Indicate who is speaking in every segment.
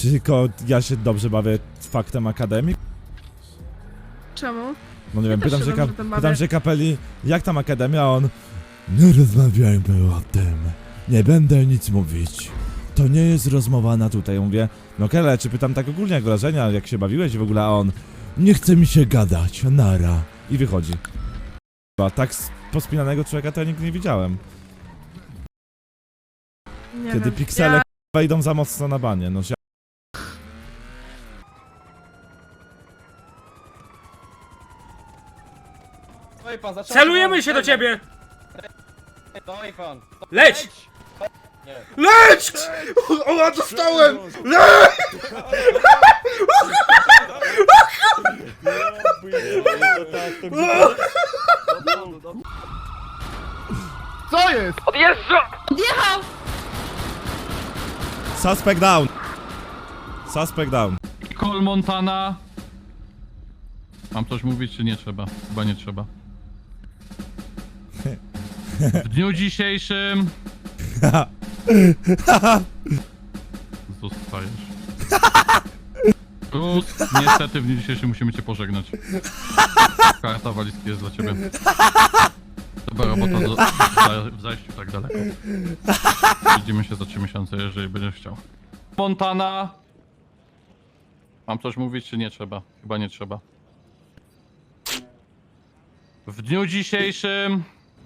Speaker 1: Czy tylko ja się dobrze bawię faktem akademii?
Speaker 2: Czemu?
Speaker 1: No nie wiem,
Speaker 2: też
Speaker 1: pytam
Speaker 2: się
Speaker 1: się,
Speaker 2: dobrze tym bawię.
Speaker 1: pytam się kapeli, jak tam akademia, a on... Nie rozmawiajmy o tym. Nie będę nic mówić. To nie jest rozmowa na tutaj. Ja mówię, no Kele, czy pytam tak ogólnie jak wrażenia, jak się bawiłeś i w ogóle, a on... Nie chce mi się gadać, nara. I wychodzi. Tak pospinanego człowieka to ja nigdy nie widziałem.
Speaker 2: Nie
Speaker 1: Kiedy
Speaker 2: wiem.
Speaker 1: piksele wejdą za mocno na banie, no się...
Speaker 3: Celujemy się do ciebie!
Speaker 4: Stoi pan!
Speaker 3: Leć!
Speaker 4: Nie.
Speaker 3: Leć! O, ja dostałem! Leć!
Speaker 5: Co jest?
Speaker 2: Odjechał!
Speaker 1: Suspect down! Suspect down.
Speaker 6: Cole Montana. Mam coś mówić, czy nie trzeba? Chyba nie trzeba. W dniu dzisiejszym... Zostajesz. Cruz, niestety w dniu dzisiejszym musimy cię pożegnać. Karta walizki jest dla ciebie. Dobra robota w zajściu tak daleko. Widzimy się za 3 miesiące, jeżeli będziesz chciał. Montana. Mam coś mówić, czy nie trzeba? Chyba nie trzeba. W dniu dzisiejszym...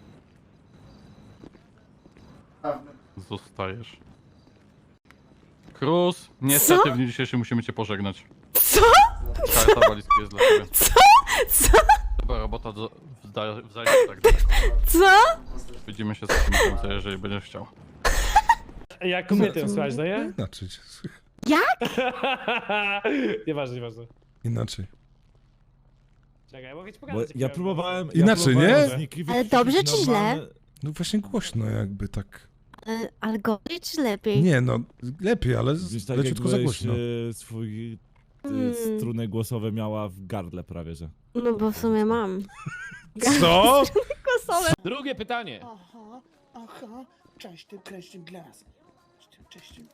Speaker 6: Zostajesz. Cruz, niestety w dniu dzisiejszym musimy cię pożegnać.
Speaker 2: Co?
Speaker 6: Karta walizki jest dla ciebie.
Speaker 2: Co?
Speaker 6: Dobra robota w zajściu tak daleko.
Speaker 2: Co?
Speaker 6: Widzimy się za 3 miesiące, jeżeli będziesz chciał.
Speaker 3: Jak kobietę słuchać, no nie?
Speaker 5: Inaczej.
Speaker 3: Nieważne.
Speaker 5: Inaczej.
Speaker 3: Czekaj, mogę ci
Speaker 1: Bo
Speaker 3: pokazać.
Speaker 1: ja próbowałem...
Speaker 5: Inaczej, nie?
Speaker 7: Ale dobrze czy źle?
Speaker 5: No właśnie głośno jakby tak.
Speaker 7: Ale gorzej czy lepiej?
Speaker 5: Nie no, lepiej, ale
Speaker 1: Tak
Speaker 5: leciutko za
Speaker 1: jakbyś,
Speaker 5: głośno.
Speaker 1: swój
Speaker 7: Hmm.
Speaker 1: struny głosowe miała w gardle prawie, że.
Speaker 7: No bo w sumie mam.
Speaker 1: Co?
Speaker 3: Drugie pytanie.
Speaker 8: Aha, cześć tym kreśnym glas. Cześć tym.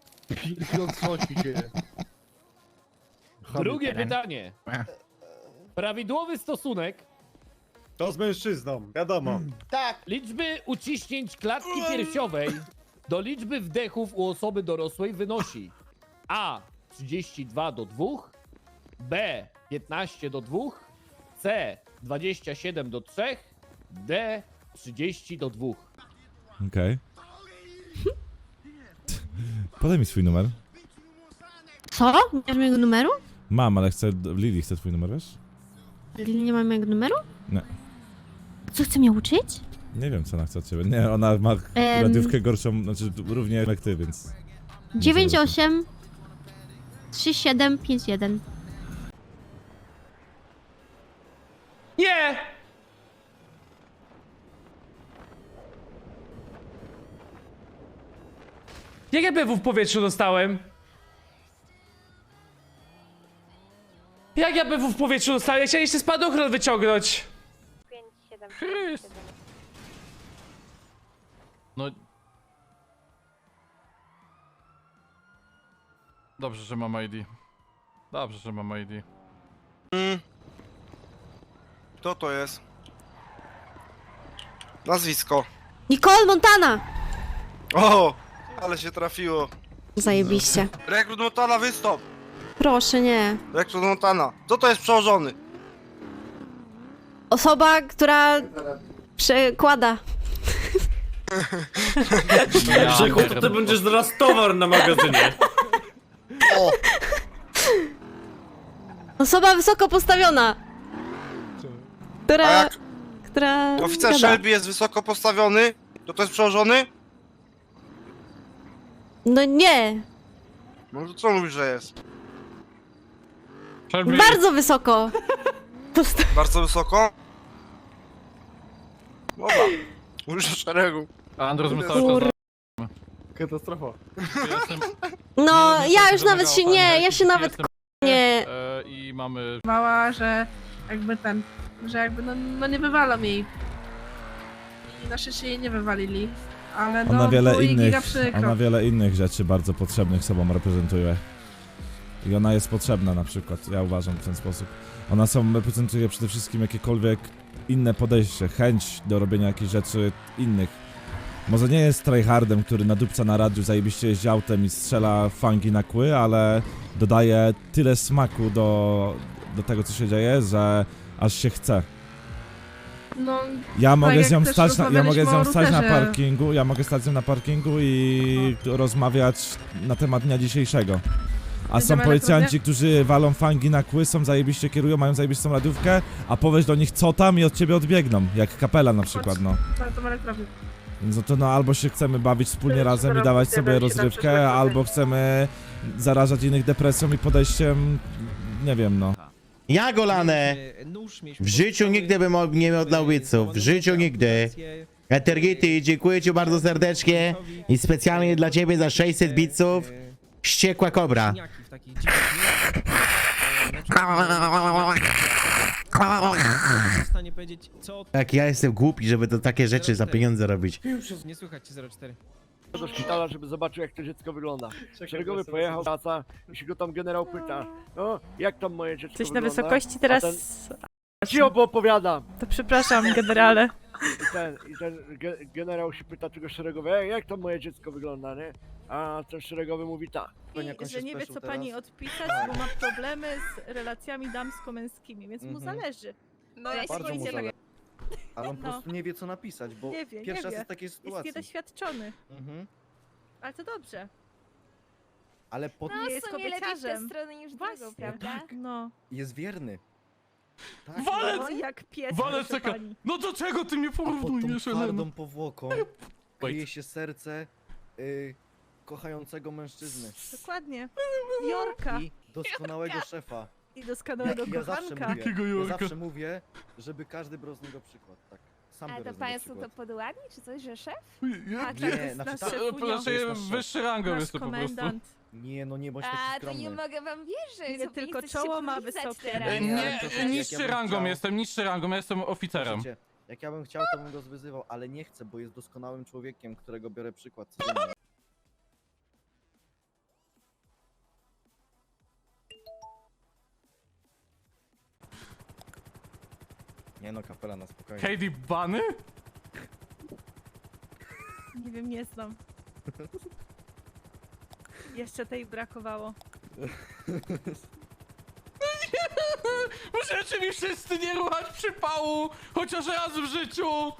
Speaker 3: Drugie pytanie. Prawidłowy stosunek
Speaker 9: To z mężczyzną, wiadomo.
Speaker 8: Tak,
Speaker 3: liczby uciśnięć klatki piersiowej do liczby wdechów u osoby dorosłej wynosi A. 32 do 2, B. 15 do 2, C. 27 do 3, D. 30 do 2.
Speaker 1: Okej. Podaj mi swój numer.
Speaker 7: Co? Nie masz mojego numeru?
Speaker 1: Mam, ale Lili chce twój numer, wiesz?
Speaker 7: Lili nie ma mojego numeru?
Speaker 1: Nie.
Speaker 7: Co, chce mnie uczyć?
Speaker 1: Nie wiem, co ona chce od ciebie. Nie, ona ma radiówkę gorszą, znaczy równie jak ty, więc...
Speaker 7: 98 3751.
Speaker 3: Nie! Jak ja BW w powietrzu dostałem? Jak ja BW w powietrzu dostałem? Ja chciałem jeszcze spadochron wyciągnąć.
Speaker 6: Chryst. No... Dobrze, że mam ID. Dobrze, że mam ID.
Speaker 9: Kto to jest? Nazwisko.
Speaker 7: Nicole Montana!
Speaker 9: O, ale się trafiło.
Speaker 7: Zajebiście.
Speaker 9: Rekrut Montana, wystąp!
Speaker 7: Proszę, nie.
Speaker 9: Rekrut Montana. Co to jest przełożony?
Speaker 7: Osoba, która przekłada.
Speaker 6: Grzechu,
Speaker 3: To ty będziesz zaraz towar na magazynie.
Speaker 9: O,
Speaker 7: Osoba wysoko postawiona.
Speaker 9: a
Speaker 7: Która...
Speaker 9: jak
Speaker 7: Która...
Speaker 9: oficer
Speaker 7: gada.
Speaker 9: Shelby jest wysoko postawiony, to jest przełożony?
Speaker 7: No nie.
Speaker 9: No to co mówisz, że jest?
Speaker 6: Shelby,
Speaker 7: Bardzo wysoko.
Speaker 9: Bardzo wysoko? Dobra. Mówisz o szeregu.
Speaker 6: Andros my
Speaker 7: Kur-
Speaker 6: cały czas
Speaker 5: Katastrofa.
Speaker 6: jestem...
Speaker 7: No,
Speaker 6: nie,
Speaker 7: ja
Speaker 6: to
Speaker 7: już
Speaker 6: się
Speaker 7: nawet się...
Speaker 6: domagało,
Speaker 7: Nie,
Speaker 6: pani,
Speaker 7: ja się nawet...
Speaker 6: jestem-
Speaker 7: Nie.
Speaker 6: I mamy...
Speaker 2: Bała, że jakby że jakby no nie wywalą jej. I na szczęście jej nie wywalili. Ale no,
Speaker 1: Ona wiele
Speaker 2: było jej
Speaker 1: innych,
Speaker 2: giga przykro.
Speaker 1: ona wiele innych rzeczy bardzo potrzebnych sobą reprezentuje. I ona jest potrzebna na przykład, ja uważam w ten sposób. Ona reprezentuje przede wszystkim jakiekolwiek inne podejście, chęć do robienia jakichś rzeczy innych. Może nie jest tryhardem, który nadupca na radiu, zajebiście jeździ autem i strzela fangi na kły, ale dodaje tyle smaku do tego, co się dzieje, że aż się chce.
Speaker 2: No,
Speaker 1: Ja mogę
Speaker 2: jak
Speaker 1: z nią
Speaker 2: też
Speaker 1: stać na, ja mogę z nią
Speaker 2: rozmawialiśmy o
Speaker 1: stać na
Speaker 2: routerze.
Speaker 1: parkingu, ja mogę stać z nią na parkingu i rozmawiać na temat dnia dzisiejszego. A są
Speaker 2: Będziemy
Speaker 1: policjanci, którzy walą fangi na kły, są zajebiście kierują, mają zajebistą radiówkę, a powiesz do nich co tam i od ciebie odbiegną, jak kapela na przykład, no.
Speaker 2: to elektrowni.
Speaker 1: No to no albo się chcemy bawić wspólnie
Speaker 2: Tyle,
Speaker 1: razem i
Speaker 2: że
Speaker 1: dawać
Speaker 2: robicie,
Speaker 1: sobie
Speaker 2: będzie na
Speaker 1: rozrywkę,
Speaker 2: przyszłość
Speaker 1: albo chcemy zarażać innych depresją i podejściem, nie wiem no.
Speaker 10: Ja Golane, w życiu nigdy bym nie oddał widzów, w życiu nigdy. Etergity, dziękuję ci bardzo serdecznie i specjalnie dla ciebie za 600 biców. Wściekła kobra. Jak ja jestem głupi, żeby to takie rzeczy za pieniądze robić.
Speaker 8: Nie słychać cię 04.
Speaker 11: do szpitala, żeby zobaczył, jak to dziecko wygląda. Szeregowy pojechał, wraca i się go tam generał pyta, no, jak tam moje dziecko
Speaker 7: Jesteś na
Speaker 11: wygląda?
Speaker 7: wysokości
Speaker 11: A
Speaker 7: teraz.
Speaker 11: Ci opowiadam.
Speaker 7: To przepraszam, generale.
Speaker 11: I ten generał się pyta tego szeregowy, jak tam moje dziecko wygląda, nie? A ten szeregowy mówi tak.
Speaker 12: Że nie wie co pani odpisać, bo ma problemy z relacjami damsko-męskimi, więc mu zależy.
Speaker 7: No ja
Speaker 8: Bardzo mu zależy. Ale on po
Speaker 12: No.
Speaker 8: prostu nie wie co napisać, bo
Speaker 12: Nie wie,
Speaker 8: pierwszy
Speaker 12: nie
Speaker 8: raz
Speaker 12: wie.
Speaker 8: jest w takiej
Speaker 12: Jest
Speaker 8: sytuacji.
Speaker 12: niedoświadczony,
Speaker 8: Mhm.
Speaker 12: ale to dobrze.
Speaker 8: Ale
Speaker 12: Nie jest kobieciarzem.
Speaker 7: strony niż
Speaker 12: Właśnie, no.
Speaker 8: jest wierny. Tak.
Speaker 12: No jak pies,
Speaker 6: Walec
Speaker 12: proszę
Speaker 6: taka,
Speaker 12: pani.
Speaker 6: no do czego ty mnie
Speaker 8: A pod tą
Speaker 6: porównujesz, Elena?
Speaker 8: twardą powłoką kryje się serce kochającego mężczyzny
Speaker 12: Dokładnie. Jorka
Speaker 8: i doskonałego szefa.
Speaker 12: i doskonałego
Speaker 8: Ja zawsze
Speaker 12: kochanka.
Speaker 8: mówię,
Speaker 6: Jakiego
Speaker 8: ja
Speaker 6: Jorka?
Speaker 8: zawsze mówię, żeby każdy brał z niego przykład, tak. Sam biorę z niego przykład.
Speaker 7: podładni, czy coś, że szef?
Speaker 12: Tak,
Speaker 8: Nie,
Speaker 12: to jest
Speaker 8: znaczy
Speaker 12: nasz
Speaker 8: tak,
Speaker 12: szefunio,
Speaker 8: to jest nasz szef.
Speaker 6: wyższy rangą
Speaker 12: nasz
Speaker 6: jestem po prostu.
Speaker 12: komendant.
Speaker 8: Nie, no nie bądź taki skromny.
Speaker 7: mogę wam wierzyć.
Speaker 12: Nie tylko czoło ma wysokie.
Speaker 6: Nie,
Speaker 8: to tak, jak
Speaker 6: niższy
Speaker 8: ja bym
Speaker 6: rangą
Speaker 8: chciał.
Speaker 6: jestem, niższy rangą, ja jestem oficerem.
Speaker 8: Słuchajcie, jak ja bym chciał, to bym go zwyzywał, ale nie chcę, bo jest doskonałym człowiekiem, którego biorę przykład codziennie. Nie no, kapela na spokojnie.
Speaker 6: Katie Bunny?
Speaker 12: Nie wiem, nie znam. Jeszcze tej brakowało.
Speaker 6: Możecie mi wszyscy nie ruchać przypału, chociaż raz w życiu!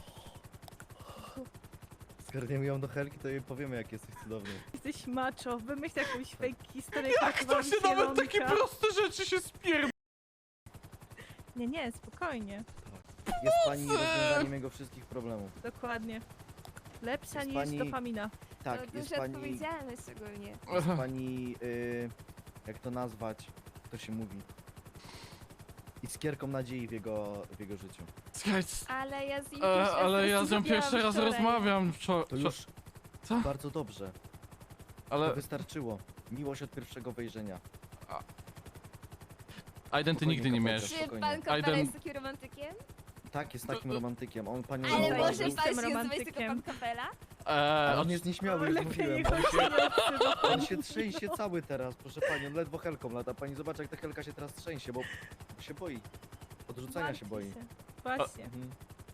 Speaker 8: Zgarniemy ją do Helki, to jej powiemy, jak jesteś cudowny.
Speaker 12: Jesteś macho, wymyśl jakąś fake historię,
Speaker 6: Jak to
Speaker 12: wam
Speaker 6: się nawet takie
Speaker 12: zielonka.
Speaker 6: proste rzeczy się spier...
Speaker 12: Nie, spokojnie.
Speaker 8: Jest pani rozwiązaniem jego wszystkich problemów.
Speaker 12: Dokładnie. Lepsza
Speaker 8: Jest
Speaker 12: niż
Speaker 8: pani-
Speaker 12: dopamina.
Speaker 8: Tak, jest pani,
Speaker 7: ogólnie.
Speaker 8: jest pani, jak to nazwać, to się mówi. Iskierką nadziei w jego życiu.
Speaker 6: Słuchaj,
Speaker 7: Ale ja z nim
Speaker 6: ale ja z nią pierwszy raz rozmawiam.
Speaker 8: To już
Speaker 6: Co?
Speaker 8: bardzo dobrze. To
Speaker 6: Ale
Speaker 8: wystarczyło. Miłość od pierwszego wejrzenia.
Speaker 6: Aiden, ty nigdy nie miałeś.
Speaker 8: Czy pan
Speaker 6: Aiden,
Speaker 7: jest takim romantykiem?
Speaker 8: Tak, jest takim romantykiem. On panią
Speaker 12: Ale
Speaker 8: zauważył.
Speaker 12: może pan się nazywać tylko pan
Speaker 7: Kapela?
Speaker 8: Ale on jest nieśmiały, już
Speaker 12: Lepiej
Speaker 8: mówiłem.
Speaker 12: niech on się nie odzywa.
Speaker 8: On się trzęsie cały teraz, proszę pani. On ledwo helką lata. Pani zobacz, jak ta helka się teraz trzęsie, bo się boi. Odrzucania się boi.
Speaker 12: Właśnie.
Speaker 8: Mhm.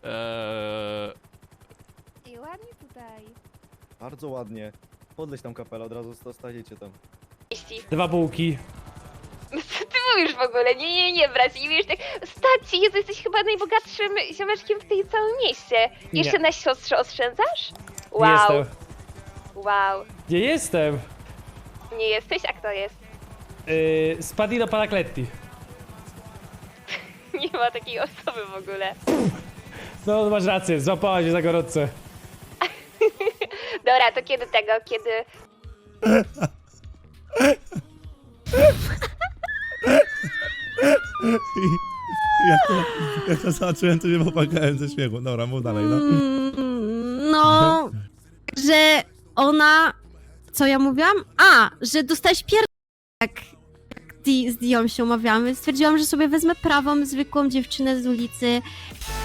Speaker 7: I ładnie tutaj.
Speaker 8: Bardzo ładnie. Podleć tam kapelę, od razu staniecie tam.
Speaker 3: 2 bułki.
Speaker 7: Co ty mówisz w ogóle? Nie, bracie, nie wiesz tak. Staci, Jezu, jesteś chyba najbogatszym ziomeczkiem w tej całym mieście. Jeszcze na siostrze oszczędzasz? Wow, wow.
Speaker 3: Nie jestem.
Speaker 7: Nie jesteś? A kto jest?
Speaker 3: Spadino Paracletti.
Speaker 7: Nie ma takiej osoby w ogóle.
Speaker 3: No masz rację, złapała się za gorące.
Speaker 7: Dobra, to kiedy tego, kiedy...
Speaker 1: Jak to zobaczyłem, to nie popłakałem ze śmiechu. Dobra, mów dalej, no.
Speaker 7: No, że ona... Co ja mówiłam? A, że dostałeś jak z Dią się umawiamy. Stwierdziłam, że sobie wezmę prawą, zwykłą dziewczynę z ulicy.